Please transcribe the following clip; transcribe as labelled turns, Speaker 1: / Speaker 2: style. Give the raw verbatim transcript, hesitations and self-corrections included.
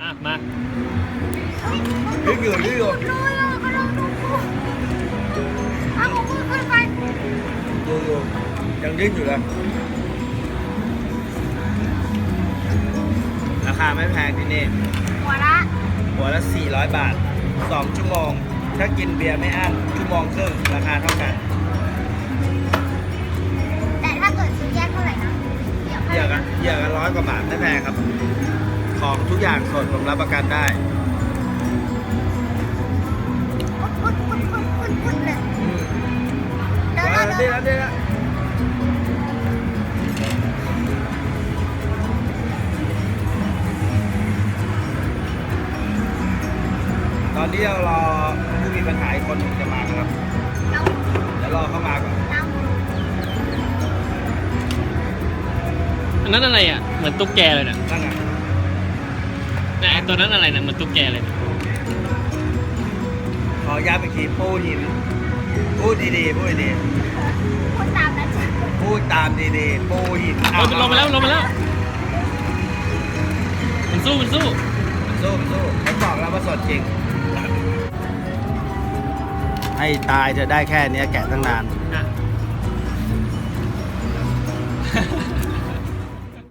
Speaker 1: มามา
Speaker 2: ยืดอยู่ยืดอยู่
Speaker 3: เลยอ่ะก็ลองดูเอาของมือขึ้นไป
Speaker 2: ยืดอยู่ยังยืดอยู่เลยราคาไม่แพงที่นี่
Speaker 3: หัวละ
Speaker 2: หัวละสี่ร้อยบาทสองชั่วโมงถ้ากินเบียร์ไม่อั้นชั่วโมงครึ่งราคาเท่ากัน
Speaker 3: แต่ถ้าเกิดซื้อแยกเท่าไหร่นะ
Speaker 2: เหยื่อกันเหยื่อกันร้อยกว่าบาทไม่แพงครับ ของทุกอย่างสดผมรับประกันได้
Speaker 3: พุดพุดพุดพุดพุดพุดเลย
Speaker 2: อืม
Speaker 3: เดี๋ยว
Speaker 2: เอา
Speaker 3: เดี๋ยว
Speaker 2: ละ
Speaker 3: เดี๋
Speaker 2: ดี
Speaker 3: ยว
Speaker 2: แล้วดีแล้วตอนนี้เรารอผู้มีปัญหาอีกคนหนึ่งจะมาครับ
Speaker 3: เรา
Speaker 2: เดี๋ยวรอเข้ามาก่อน
Speaker 3: เรา
Speaker 1: อันนั้นอะไรอ่ะเหมือนตุ๊กแกเลยนะ
Speaker 2: นั่นไง
Speaker 1: แต่ไอ้ตัวนั้นอะไรนะเหมือนตุ๊กแกเลยนะ
Speaker 2: ขอย้ำอีกทีปูหินพูดดีๆพูดดี
Speaker 3: พูดตามนั้นจ้ะ
Speaker 2: ๆพูดตามดีๆปูหิน
Speaker 1: เออลงมาแล้วลงมาแล้วมันสู้มันสู้
Speaker 2: สู้สู้ผมบอกแล้วว่าสดจริง ให้ตายจะได้แค่เนี้ยแกะตั้งนาน
Speaker 1: อ่ะ